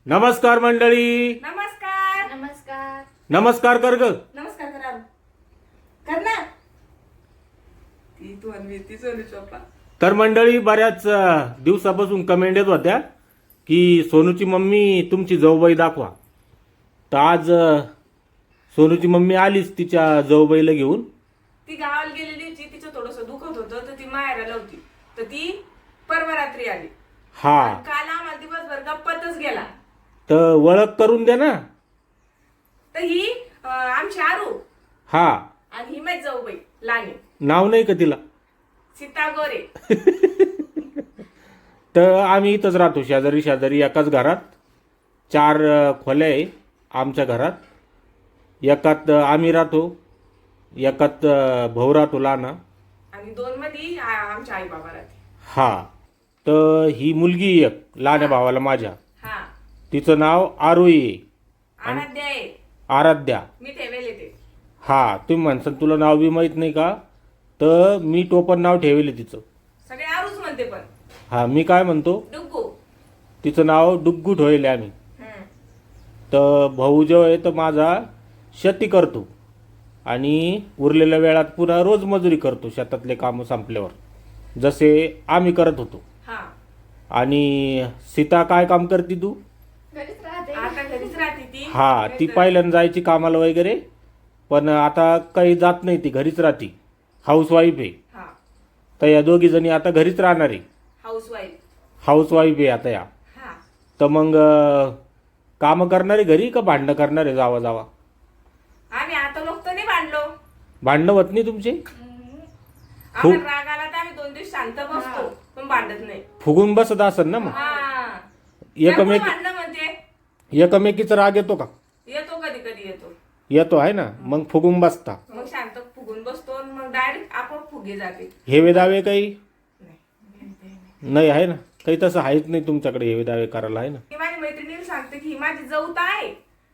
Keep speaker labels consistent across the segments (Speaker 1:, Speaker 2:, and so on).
Speaker 1: नमस्कार मंडळी.
Speaker 2: नमस्कार नमस्कार
Speaker 1: नमस्कार कर ग.
Speaker 2: नमस्कार करा कर ना ती तू आणि ती सोनू चोपा.
Speaker 1: तर मंडळी बऱ्याच दिवसापासून कमेंट येत होत्या की सोनूची मम्मी तुमची जाऊबाई दाखवा. तर आज सोनूची मम्मी आलीच तिच्या जाऊबाईला घेऊन.
Speaker 2: ती गावाला गेलेली होती, तिचं थोडंसं दुखत होतं तर ती माहेराला होती, तर ती परवा रात्री आली.
Speaker 1: हा
Speaker 2: आणि काल आम्हाला दिवसभर गप्पातच गेला.
Speaker 1: तर ओळख करून द्या ना.
Speaker 2: तर ही आमची आरू
Speaker 1: हा
Speaker 2: आणि ही माझी जाऊबाई लाणी
Speaker 1: नाव नाही का तिला?
Speaker 2: सीता गोरे.
Speaker 1: तर आम्ही इथंच राहतो, शेजारी शेजारी एकाच घरात. 4 खोल्या आहे आमच्या घरात. एकात आम्ही राहतो, एकात भाऊ राहतो लहाना,
Speaker 2: आणि 2 मध्ये आमच्या आई बाबा राहते.
Speaker 1: हा. तर ही मुलगी एक लहान्या भावाला माझ्या,
Speaker 2: हा
Speaker 1: तिचं नाव आरोही आहे.
Speaker 2: आराध्या आहे,
Speaker 1: आराध्या.
Speaker 2: मी ठेवेले ते.
Speaker 1: हा तुम्ही म्हणसान तुला नाव बी माहीत नाही का? तर मी टोपण नाव ठेवले तिचं.
Speaker 2: सगळे आरूच म्हणते पण
Speaker 1: हा मी काय म्हणतो,
Speaker 2: डुग्गू.
Speaker 1: तिचं नाव डुग्गू ठेवले आम्ही.
Speaker 2: हम्म.
Speaker 1: तर भाऊ जो आहे तर माझा शेती करतो आणि उरलेल्या वेळात पुन्हा रोज मजुरी करतो शेतातले कामं संपल्यावर, जसे आम्ही करत होतो.
Speaker 2: हा
Speaker 1: आणि सीता काय काम करते तू?
Speaker 2: घरीच राहते, आता घरीच राहते ती.
Speaker 1: हा ती पहिल्यांदा जायची कामाला वगैरे, पण आता काही जात नाही, ती घरीच राहते. हाऊसवाईफ आहे.
Speaker 2: हा
Speaker 1: तर या दोघी जणी आता घरीच राहणार आहे.
Speaker 2: हाऊसवाईफ.
Speaker 1: हाऊसवाईफ आहे आता या.
Speaker 2: हा
Speaker 1: तर मग कामं करणारे घरी का भांडणं करणारे जावा जावा?
Speaker 2: आम्ही आता लोक तर नाही भांडलो.
Speaker 1: भांडणं होत नाही तुमचे?
Speaker 2: आम्हाला राग आला तर आम्ही 2 दिवस शांत बसतो, पण भांडत नाही.
Speaker 1: फुगून बसत असेल ना मग.
Speaker 2: हा
Speaker 1: एकमेक
Speaker 2: भांडणं म्हणते.
Speaker 1: एकमेकीचा राग येतो का?
Speaker 2: येतो कधी कधी येतो,
Speaker 1: येतो आहे ना. मग फुगून बसता.
Speaker 2: मग शांत फुगून बसतो आणि मग डायरेक्ट आपण फुगे जाते.
Speaker 1: हेवे दावे काही
Speaker 2: नाही.
Speaker 1: नाही आहे ना? काही तसं आहेच नाही तुमच्याकडे हेवे दावे करायला, आहे ना?
Speaker 2: मी माझ्या मैत्रिणीला सांगते की ही माझी जाऊ तर आहे,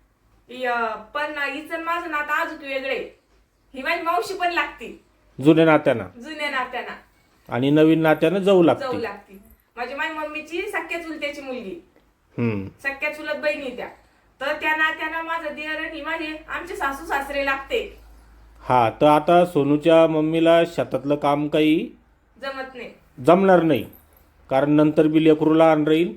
Speaker 2: पण हिचं माझं नातं अजून वेगळे. ही माझी मावशी पण लागती
Speaker 1: जुन्या नात्यानं,
Speaker 2: जुन्या नात्याना.
Speaker 1: आणि नवीन नात्यानं जाऊ
Speaker 2: जाऊ
Speaker 1: लागते.
Speaker 2: लागती. माझी मम्मीची सख्या चुलत्याची मुलगी,
Speaker 1: हम्म.
Speaker 2: सख्या चुलत बहिणी त्या. तर त्या नात्यानं माझं दिर आणि माझे आमचे सासू सासरे लागते.
Speaker 1: हा. तर आता सोनूच्या मम्मीला शेतातलं काम काही
Speaker 2: जमत नाही.
Speaker 1: जमणार नाही, कारण नंतर बी लेकरू लहान राहील.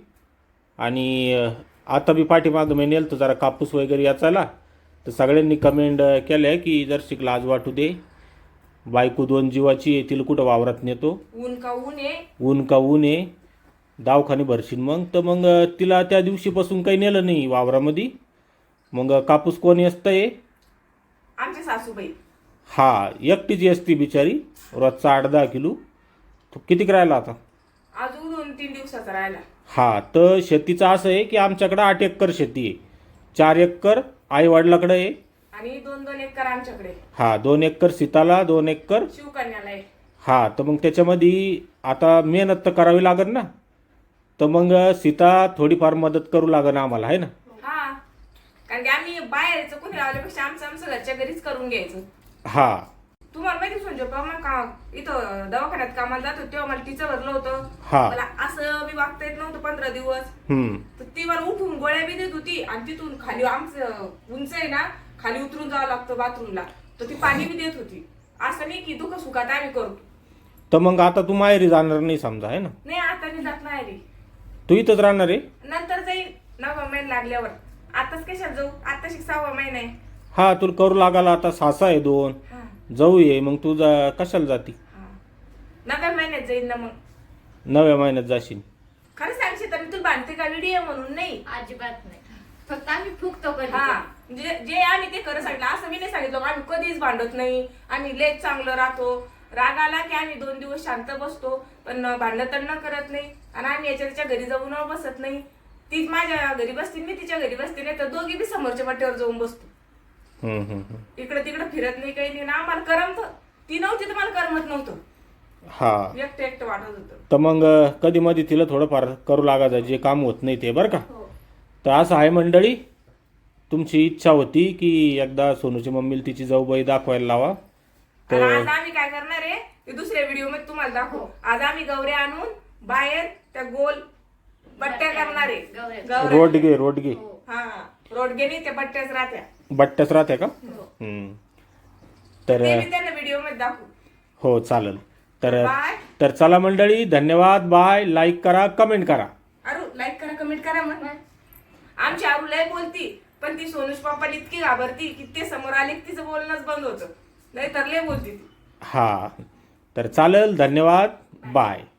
Speaker 1: आणि आता बी पाठीमागं मी नेलं तर जरा कापूस वगैरे याचायला, तर सगळ्यांनी कमेंट केल्या की जर लाज वाटू दे, बायको 2 जीवाची आहे, तिला कुठं वावरात नेतो,
Speaker 2: ऊन का ऊन आहे.
Speaker 1: ऊन का ऊन आहे, दवाखाने भरशील मग. तर मग तिला त्या दिवशीपासून काही नेलं नाही वावरामध्ये. मग कापूस कोणी असतंय?
Speaker 2: आमचे सासूबाई.
Speaker 1: हा एकटीची असती बिचारी, रोजचा 8-10 किलो. तो कितीक राहिला आता?
Speaker 2: अजून 2-3 दिवसाचा राहिला.
Speaker 1: हा. तर शेतीचं असं आहे की आमच्याकडं 8 एकर शेती आहे. 4 एकर आई वडिलाकडे आहे.
Speaker 2: आणि 2-2 एकर आमच्याकडे.
Speaker 1: हा 2 एकर सीताला, 2 एकर
Speaker 2: शिवकन्याला आहे.
Speaker 1: हा. तर मग त्याच्यामध्ये आता मेहनत तर करावी लागेल ना. तर मग सीता थोडीफार मदत करू लागेल आम्हाला, आहे ना?
Speaker 2: हा, कारण की आम्ही बाहेरचं कोणी लावल्यापेक्षा आमचं घरच्या घरीच करून घ्यायचं.
Speaker 1: हा.
Speaker 2: तुम्हाला माहिती सोनजो का इथं दवाखान्यात कामाला जात होते तेव्हा मला टीचर भरलं होतं.
Speaker 1: हा.
Speaker 2: मला असं मी वागता येत नव्हतं 15 दिवस. तर ती मला उठून गोळ्या बी देत होती, आणि तिथून खाली आमचं उंच आहे ना, खाली उतरून जावं लागतं बाथरूमला, तर ती पाणी बी देत होती. असं नाही की दुःख सुखात आम्ही करतो.
Speaker 1: तर मग आता तू माहेरी जाणार नाही समजा, आहे ना?
Speaker 2: नाही आता मी जात नाही रे,
Speaker 1: तू इथंच राहणार आहे?
Speaker 2: नंतर जाईल 9वा महिना लागल्यावर. आताच कशाला जाऊ, आता 6वा महिना आहे.
Speaker 1: हा. तुला करू लागायला आता सासा आहे 2,
Speaker 2: हा
Speaker 1: जाऊ ये. मग तू कशाला जाती?
Speaker 2: हा 9व्या महिन्यात जाईल ना. मग
Speaker 1: 9व्या महिन्यात जाशील?
Speaker 2: खरं सांगशील तर मी तुला भांडते का व्हिडिओ म्हणून नाही,
Speaker 3: अजिबात नाही, फक्त आम्ही फुकतो कधी.
Speaker 2: हा जे आम्ही ते खरं सांगितलं. असं मी नाही सांगितलं आम्ही कधीच भांडत नाही, आम्ही लेच चांगलं राहतो. राग आला की आम्ही 2 दिवस शांत बसतो, पण भांडण करत नाही. आणि आम्ही याच्या घरी जाऊन बसत नाही. तीच माझ्या घरी बसते, मी तिच्या घरी बसते, नाही तर दोघी बी समोरच्या वाटेवर जाऊन बसतो. इकडे तिकडे फिरत नाही, काही नाही ना. आम्हाला करमत. ती नव्हती तर मला करमत नव्हतं.
Speaker 1: हा.
Speaker 2: एकटं वाटत होतं.
Speaker 1: तर मग कधी मध्ये तिला थोडंफार करू लागायचं जे काम होत नाही ते, बरं का?
Speaker 2: हो.
Speaker 1: तर असं आहे मंडळी, तुमची इच्छा होती की एकदा सोनूची मम्मीला तिची जाऊबाई दाखवायला लावा.
Speaker 2: आणि आज आम्ही काय करणार आहे ते दुसऱ्या व्हिडिओ मध्ये तुम्हाला दाखवू. आज आम्ही गौऱ्या आणून बाहेर त्या गोल बट्ट्या करणारे
Speaker 3: गवऱ्या.
Speaker 2: गवऱ्या.
Speaker 1: रोडगे रोडगे
Speaker 3: हो.
Speaker 2: हा रोडगेनी ते बट्ट्याच राहत्या
Speaker 1: बट्ट्याच राहते का
Speaker 3: हो.
Speaker 1: हम्म. तर
Speaker 2: ते मी त्यांना व्हिडिओ मध्ये दाखवू.
Speaker 1: हो चालेल तर
Speaker 2: बाय.
Speaker 1: तर चला मंडळी धन्यवाद बाय लाईक करा कमेंट करा
Speaker 2: अरू लाईक करा कमेंट करा मग
Speaker 3: बाय.
Speaker 2: आमची आरू लय बोलती पण ती सोनूज पप्पाला इतकी घाबरती की ते समोर आले की तिचं बोलणंच बंद होतं नाही तर लय बोलती ती.
Speaker 1: हा तर चालेल धन्यवाद बाय